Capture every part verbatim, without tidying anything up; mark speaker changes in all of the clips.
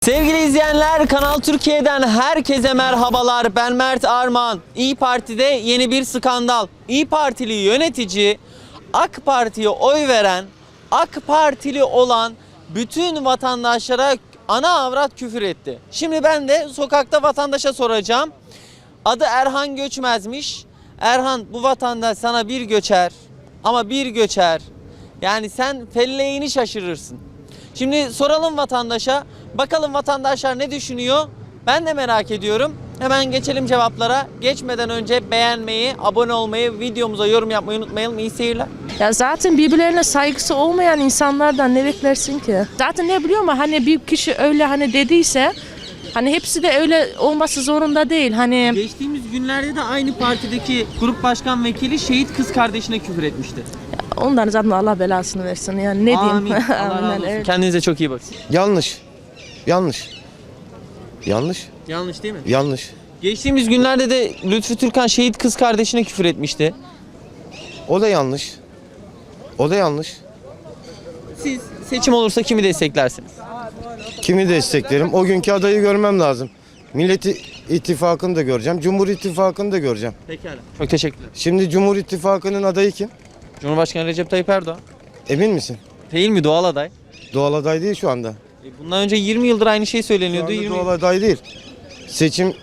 Speaker 1: Sevgili izleyenler, Kanal Türkiye'den herkese merhabalar. Ben Mert Arman. İYİ Parti'de yeni bir skandal. İYİ Partili yönetici AK Parti'ye oy veren, AK Partili olan bütün vatandaşlara ana avrat küfür etti. Şimdi ben de sokakta vatandaşa soracağım. Adı Erhan Göçmez'miş. Erhan, bu vatandaş sana bir göçer ama bir göçer. Yani sen felleğini şaşırırsın. Şimdi soralım vatandaşa. Bakalım vatandaşlar ne düşünüyor? Ben de merak ediyorum. Hemen geçelim cevaplara. Geçmeden önce beğenmeyi, abone olmayı, videomuza yorum yapmayı unutmayalım. İyi seyirler.
Speaker 2: Ya zaten birbirlerine saygısı olmayan insanlardan ne beklersin ki? Zaten ne biliyor musun? Hani bir kişi öyle hani dediyse hani hepsi de öyle olması zorunda değil. Hani
Speaker 1: Geçtiğimiz günlerde de aynı partideki grup başkan vekili şehit kız kardeşine küfür etmişti.
Speaker 2: onların zaten Allah belasını versin. Yani ne
Speaker 1: Amin.
Speaker 2: diyeyim?
Speaker 1: Allah razı
Speaker 2: Aynen,
Speaker 1: olsun.
Speaker 2: evet.
Speaker 1: Kendinize çok iyi bakın.
Speaker 3: Yanlış. Yanlış. Yanlış.
Speaker 1: Yanlış değil mi?
Speaker 3: Yanlış.
Speaker 1: Geçtiğimiz günlerde de Lütfü Türkan şehit kız kardeşine küfür etmişti.
Speaker 3: O da yanlış. O da yanlış.
Speaker 1: Siz seçim olursa kimi desteklersiniz?
Speaker 3: Kimi desteklerim? O günkü adayı görmem lazım. Millet İttifakı'nı da göreceğim. Cumhur İttifakı'nı da göreceğim.
Speaker 1: Pekala. Çok teşekkürler.
Speaker 3: Şimdi Cumhur İttifakı'nın adayı kim?
Speaker 1: Cumhurbaşkanı Recep Tayyip Erdoğan.
Speaker 3: Emin misin?
Speaker 1: Değil mi, doğal aday?
Speaker 3: Doğal aday değil şu anda.
Speaker 1: E, Bundan önce yirmi yıldır aynı şey
Speaker 3: Şu
Speaker 1: söyleniyordu.
Speaker 3: anda
Speaker 1: yirmi
Speaker 3: doğal aday değil. Seçim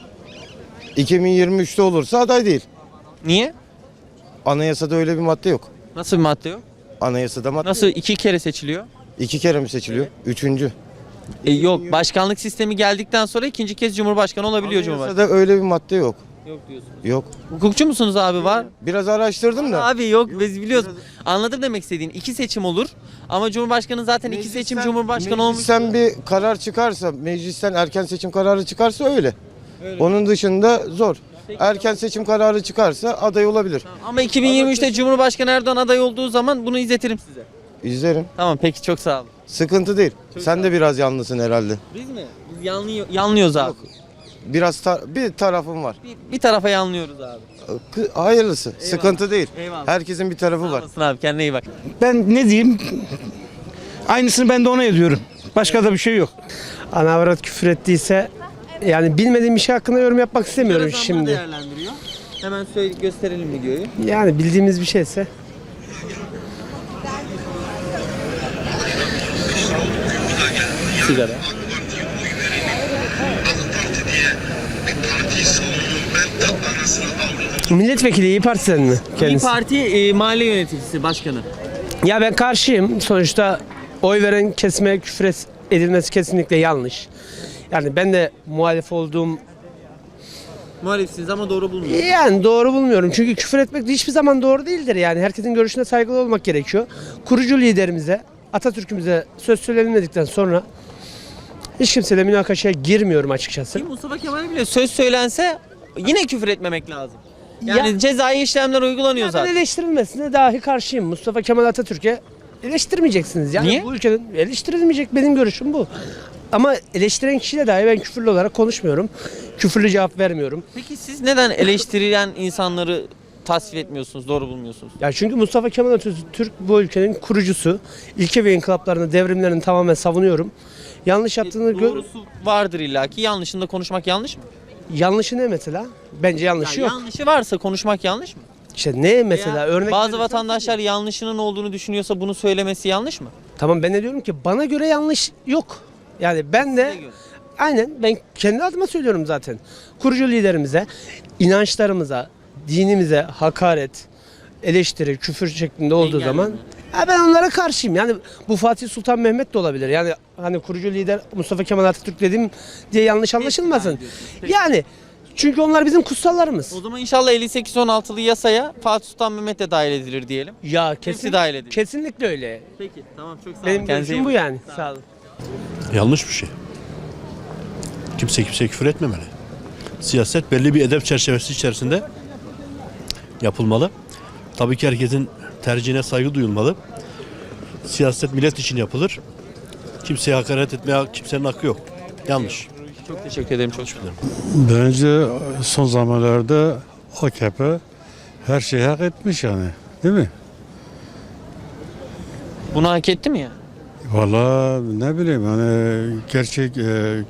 Speaker 3: iki bin yirmi üçte olursa aday değil.
Speaker 1: Niye?
Speaker 3: Anayasada öyle bir madde yok.
Speaker 1: Nasıl bir madde yok?
Speaker 3: Anayasada madde
Speaker 1: Nasıl
Speaker 3: yok.
Speaker 1: iki kere seçiliyor?
Speaker 3: İki kere mi seçiliyor? Üçüncü.
Speaker 1: E, yok. Başkanlık sistemi geldikten sonra ikinci kez Cumhurbaşkanı olabiliyor Cumhurbaşkanı.
Speaker 3: Anayasada öyle bir madde yok.
Speaker 1: Yok diyorsun.
Speaker 3: Yok.
Speaker 1: Hukukçu musunuz abi, var?
Speaker 3: Biraz araştırdım da.
Speaker 1: Abi yok, biz biliyoruz. Anladım demek istediğin. İki seçim olur ama Cumhurbaşkanı zaten iki seçim Cumhurbaşkanı olmuş.
Speaker 3: Meclisten bir karar çıkarsa, meclisten erken seçim kararı çıkarsa öyle.
Speaker 1: Öyle.
Speaker 3: Onun dışında zor. Erken seçim kararı çıkarsa aday olabilir.
Speaker 1: Ama iki bin yirmi üçte Cumhurbaşkanı Erdoğan aday olduğu zaman bunu izletirim size.
Speaker 3: İzlerim.
Speaker 1: Tamam, peki, çok sağ olun.
Speaker 3: Sıkıntı değil.
Speaker 1: Çok
Speaker 3: Sen
Speaker 1: sağ
Speaker 3: de biraz yanlısın herhalde.
Speaker 1: Biz mi? Biz yanlıyor, yanlıyoruz abi.
Speaker 3: Biraz ta- bir tarafım var.
Speaker 1: Bir, bir tarafa yanlıyoruz abi.
Speaker 3: Kı- Hayırlısı. Sıkıntı değil.
Speaker 1: Eyvallah.
Speaker 3: Herkesin bir tarafı
Speaker 1: Sağ
Speaker 3: var.
Speaker 1: olasın abi, kendine iyi bak.
Speaker 4: Ben ne diyeyim? Aynısını ben de ona ediyorum. Başka da bir şey yok.
Speaker 5: Ana avrat küfür ettiyse yani bilmediğim bir şey hakkında yorum yapmak istemiyorum
Speaker 1: Zamları
Speaker 5: şimdi.
Speaker 1: değerlendiriyor. Hemen söyle, gösterelim videoyu.
Speaker 5: Yani bildiğimiz bir şeyse.
Speaker 1: Sigara.
Speaker 5: Milletvekili İYİ Parti'den mi
Speaker 1: İYİ
Speaker 5: kendisi?
Speaker 1: Parti e, mahalle yöneticisi başkanı.
Speaker 5: Ya ben karşıyım. Sonuçta oy veren kesime küfür et- edilmesi kesinlikle yanlış. Yani ben de muhalif olduğum
Speaker 1: Muhalifsiniz ama doğru bulmuyor.
Speaker 5: yani doğru bulmuyorum. Çünkü küfür etmek de hiçbir zaman doğru değildir yani. Herkesin görüşüne saygılı olmak gerekiyor. Kurucu liderimize, Atatürk'ümüze söz söylenmedikten sonra hiç kimseyle münakaşaya girmiyorum açıkçası.
Speaker 1: Ki Mustafa Kemal bile söz söylense yine küfür etmemek lazım. Yani
Speaker 5: Ya-
Speaker 1: cezai işlemler uygulanıyor
Speaker 5: Ben
Speaker 1: zaten.
Speaker 5: eleştirilmesine dahi karşıyım. Mustafa Kemal Atatürk'e eleştirmeyeceksiniz. Yani
Speaker 1: Niye?
Speaker 5: bu ülkenin eleştirilmeyecek, benim görüşüm bu. Ama eleştiren kişiyle dahi ben küfürlü olarak konuşmuyorum. Küfürlü cevap vermiyorum.
Speaker 1: Peki siz neden eleştirilen insanları tasvip etmiyorsunuz, doğru bulmuyorsunuz?
Speaker 5: Ya çünkü Mustafa Kemal Atatürk bu ülkenin kurucusu. İlke ve inkılaplarını, devrimlerini tamamen savunuyorum. Yanlış yaptığını gör...
Speaker 1: Doğrusu vardır illaki. Yanlışında konuşmak yanlış mı?
Speaker 5: Yanlışı ne mesela? Bence yanlışı
Speaker 1: Ya
Speaker 5: yok.
Speaker 1: yanlışı varsa konuşmak yanlış mı?
Speaker 5: İşte ne mesela?
Speaker 1: Veya
Speaker 5: Örnek
Speaker 1: bazı
Speaker 5: verirsen-
Speaker 1: vatandaşlar yanlışının olduğunu düşünüyorsa bunu söylemesi yanlış mı?
Speaker 5: Tamam, ben de diyorum ki bana göre yanlış yok. Yani ben de
Speaker 1: Size göre.
Speaker 5: aynen ben kendi adıma söylüyorum zaten. Kurucu liderimize, inançlarımıza, dinimize hakaret, eleştiri, küfür şeklinde olduğu
Speaker 1: Engelleme.
Speaker 5: zaman ha, ben onlara karşıyım. Yani bu Fatih Sultan Mehmet de olabilir. Yani hani kurucu lider Mustafa Kemal Atatürk dedim diye yanlış anlaşılmasın.
Speaker 1: ediyorsunuz. Peki.
Speaker 5: Yani çünkü onlar bizim kutsallarımız.
Speaker 1: O zaman inşallah elli sekiz on altılı yasaya Fatih Sultan Mehmet de dahil edilir diyelim.
Speaker 5: Ya
Speaker 1: Hepsi
Speaker 5: kesin,
Speaker 1: dahil edilir.
Speaker 5: kesinlikle öyle.
Speaker 1: Peki, tamam, çok sağ olun.
Speaker 5: Benim
Speaker 1: Kendinize iyi
Speaker 5: görüşüm bu
Speaker 1: bakın.
Speaker 5: yani. Sağ olun.
Speaker 6: Yanlış bir şey. Kimse kimseye küfür etmemeli. Siyaset belli bir edep çerçevesi içerisinde yapılmalı. Tabii ki herkesin tercihine saygı duyulmalı. Siyaset millet için yapılır. Kimseye hakaret etmeye kimsenin hakkı yok. Yanlış.
Speaker 1: Çok teşekkür ederim. Çok şükür.
Speaker 7: Bence son zamanlarda A K P her şeyi hak etmiş yani. Değil mi?
Speaker 1: Bunu hak etti mi ya?
Speaker 7: Valla ne bileyim yani gerçek e,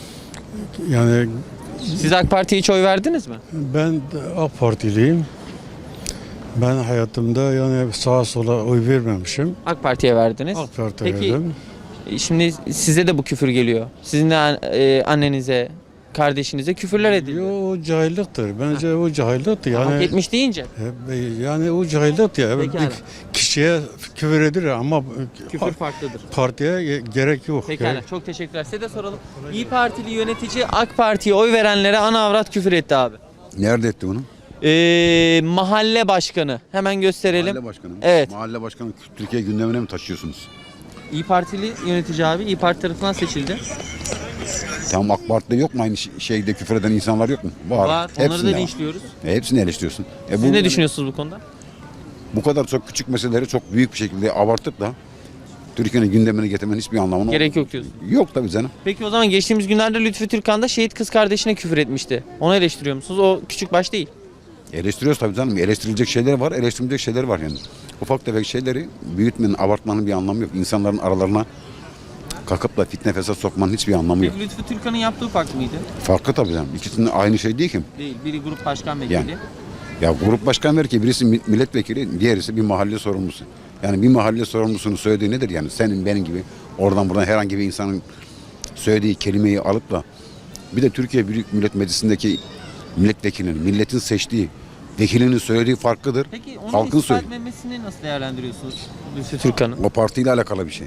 Speaker 7: yani
Speaker 1: Siz AK Parti'ye hiç oy verdiniz mi?
Speaker 7: ben de AK Partiliyim. Ben hayatımda yani sağa sola oy vermemişim.
Speaker 1: AK Parti'ye verdiniz.
Speaker 7: AK Parti'ye
Speaker 1: Peki
Speaker 7: verdim.
Speaker 1: şimdi size de bu küfür geliyor. Sizin de an- e, annenize, kardeşinize küfürler ediliyor.
Speaker 7: Yo, o cahilliktir. Bence o cahilliktir.
Speaker 1: Hak
Speaker 7: Yani
Speaker 1: etmiş deyince.
Speaker 7: e, yani o cahilliktir ya.
Speaker 1: Pekala.
Speaker 7: Bir kişiye küfür edilir ama
Speaker 1: Küfür farklıdır.
Speaker 7: partiye ge- gerek yok.
Speaker 1: Pekala.
Speaker 7: Gerek-
Speaker 1: Çok teşekkürler. Size de soralım. İyi Partili yönetici AK Parti'ye oy verenlere ana avrat küfür etti abi.
Speaker 8: Nerede etti bunu?
Speaker 1: Ee, mahalle başkanı. Hemen gösterelim.
Speaker 8: Mahalle başkanı mı?
Speaker 1: Evet.
Speaker 8: Mahalle başkanı Türkiye gündemine mi taşıyorsunuz?
Speaker 1: İyi Partili yönetici abi. İyi Parti tarafından seçildi.
Speaker 8: Tamam, AK Parti'de yok mu aynı ş- şeyde küfür eden insanlar yok mu?
Speaker 1: Var. Onları
Speaker 8: Hepsinde
Speaker 1: da
Speaker 8: var.
Speaker 1: linçliyoruz.
Speaker 8: E, hepsini eleştiriyorsun. E,
Speaker 1: Siz
Speaker 8: bu,
Speaker 1: ne düşünüyorsunuz bu konuda?
Speaker 8: Bu kadar çok küçük meseleleri çok büyük bir şekilde abartıp da Türkiye'nin gündemine getirmenin hiçbir anlamı
Speaker 1: Gerek yok diyorsun.
Speaker 8: Yok tabii canım.
Speaker 1: Peki o zaman geçtiğimiz günlerde Lütfü Türkan da şehit kız kardeşine küfür etmişti. Onu eleştiriyor musunuz? O küçük baş değil.
Speaker 8: Eleştiriyoruz tabii canım. Eleştirilecek şeyler var, eleştirilecek şeyler var yani. Ufak tefek şeyleri büyütmenin, abartmanın bir anlamı yok. İnsanların aralarına kalkıp da fitne fesat sokmanın hiçbir anlamı yok.
Speaker 1: Peki Lütfü Türkan'ın yaptığı farklı mıydı?
Speaker 8: Farklı tabii canım. İkisinin aynı şey değil ki.
Speaker 1: Değil. Biri grup başkan vekili.
Speaker 8: Yani. Ya grup başkan ver ki birisi mi- milletvekili, diğerisi bir mahalle sorumlusu. Yani bir mahalle sorumlusunun söylediği nedir yani? Senin benim gibi oradan buradan herhangi bir insanın söylediği kelimeyi alıp da bir de Türkiye Büyük Millet Meclisi'ndeki milletvekilinin, milletin seçtiği vekilinin söylediği farklıdır.
Speaker 1: Peki onun
Speaker 8: Halkın
Speaker 1: istifa
Speaker 8: söylediği.
Speaker 1: etmemesini nasıl değerlendiriyorsunuz Lütfü Türkan'ın?
Speaker 8: O partiyle alakalı bir şey.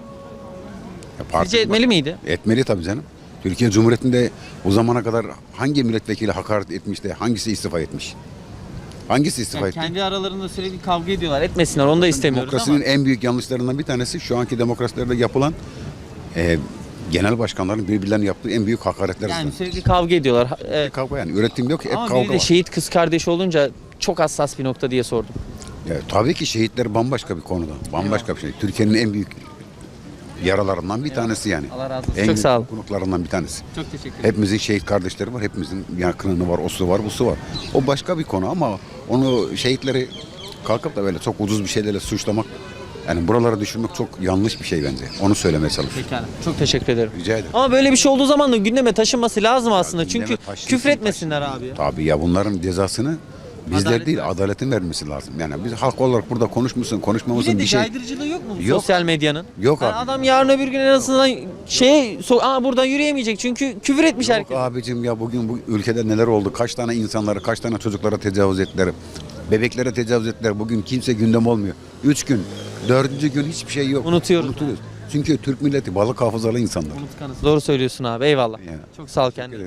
Speaker 8: Ya parti-
Speaker 1: Sizce etmeli miydi?
Speaker 8: Etmeli tabii canım. Türkiye Cumhuriyeti'nde o zamana kadar hangi milletvekili hakaret etmiş de hangisi istifa etmiş? Hangisi istifa
Speaker 1: Yani
Speaker 8: etti?
Speaker 1: kendi aralarında sürekli kavga ediyorlar. Etmesinler. Onu da istemiyoruz
Speaker 8: Demokrasinin
Speaker 1: ama.
Speaker 8: en büyük yanlışlarından bir tanesi şu anki demokrasilerde yapılan e, genel başkanların birbirlerine yaptığı en büyük hakaretler.
Speaker 1: Yani
Speaker 8: yüzünden.
Speaker 1: sürekli kavga ediyorlar. Ha- Evet.
Speaker 8: Kavga yani üretim yok, hep
Speaker 1: Ama
Speaker 8: kavga
Speaker 1: biri de
Speaker 8: var.
Speaker 1: şehit kız kardeşi olunca çok hassas bir nokta diye sordum.
Speaker 8: Ya, tabii ki şehitler bambaşka bir konuda. Bambaşka bir şey. Türkiye'nin en büyük yaralarından bir tanesi yani.
Speaker 1: Allah razı olsun.
Speaker 8: En
Speaker 1: Çok
Speaker 8: büyük
Speaker 1: sağ olun.
Speaker 8: konuklarından bir tanesi.
Speaker 1: Çok teşekkür ederim.
Speaker 8: Hepimizin şehit kardeşleri var, hepimizin yakını var, osu var, busu var. O başka bir konu ama onu şehitleri kalkıp da böyle çok ucuz bir şeylerle suçlamak, yani buralara düşürmek çok yanlış bir şey bence. Onu söylemeye çalışıyorum.
Speaker 1: Pekala. Çok teşekkür ederim.
Speaker 8: Rica ederim.
Speaker 1: Ama böyle bir şey olduğu zaman da gündeme taşınması lazım aslında.
Speaker 8: gündeme
Speaker 1: Çünkü
Speaker 8: taşınsın,
Speaker 1: küfür etmesinler abi. ya.
Speaker 8: Tabii ya, bunların cezasını bizler
Speaker 1: Adalet
Speaker 8: değil,
Speaker 1: versin.
Speaker 8: adaletin vermesi lazım. Yani biz halk olarak burada konuşmuşsun, konuşmamışsın
Speaker 1: Yine de
Speaker 8: bir şey.
Speaker 1: caydırıcılığı yok mu bu
Speaker 8: Yok.
Speaker 1: sosyal medyanın?
Speaker 8: Yok
Speaker 1: Yani
Speaker 8: abi.
Speaker 1: adam yarın öbür gün en azından şey so Aa, buradan yürüyemeyecek çünkü küfür etmiş
Speaker 8: Yok
Speaker 1: herkes.
Speaker 8: abicim ya, bugün bu ülkede neler oldu? Kaç tane insanlara, kaç tane çocuklara tecavüz ettiler? Bebeklere tecavüz ettiler. Bugün kimse gündem olmuyor. Üç gün, dördüncü gün hiçbir şey yok.
Speaker 1: Unutuyoruz.
Speaker 8: Unutuyoruz. Çünkü Türk milleti balık hafızalı insanlar.
Speaker 1: Unutkanız. Doğru söylüyorsun abi. Eyvallah.
Speaker 8: Ya.
Speaker 1: Çok sağ ol kendine.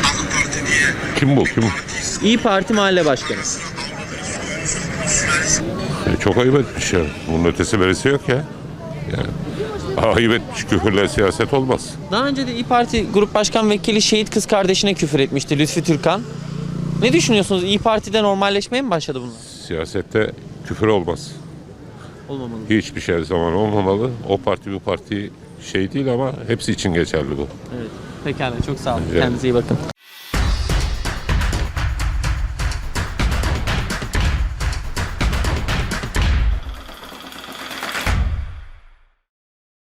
Speaker 9: Kim bu? Kim?
Speaker 1: İyi Parti Mahalle Başkanı.
Speaker 9: E, çok ayıp etmiş ya. Bunun ötesi berisi yok ya. Yani ayıp etmiş, küfürle siyaset olmaz.
Speaker 1: Daha önce de İyi Parti Grup Başkan Vekili şehit kız kardeşine küfür etmişti Lütfü Türkan. Ne düşünüyorsunuz? İyi Parti'de normalleşmeye mi başladı bunlar?
Speaker 9: Siyasette küfür olmaz.
Speaker 1: Olmamalı.
Speaker 9: Hiçbir şey zaman olmamalı. O parti bu parti şey değil ama hepsi için geçerli bu.
Speaker 1: Evet. Pekala. Çok sağ olun.
Speaker 9: Rica ederim.
Speaker 1: Kendinize iyi bakın.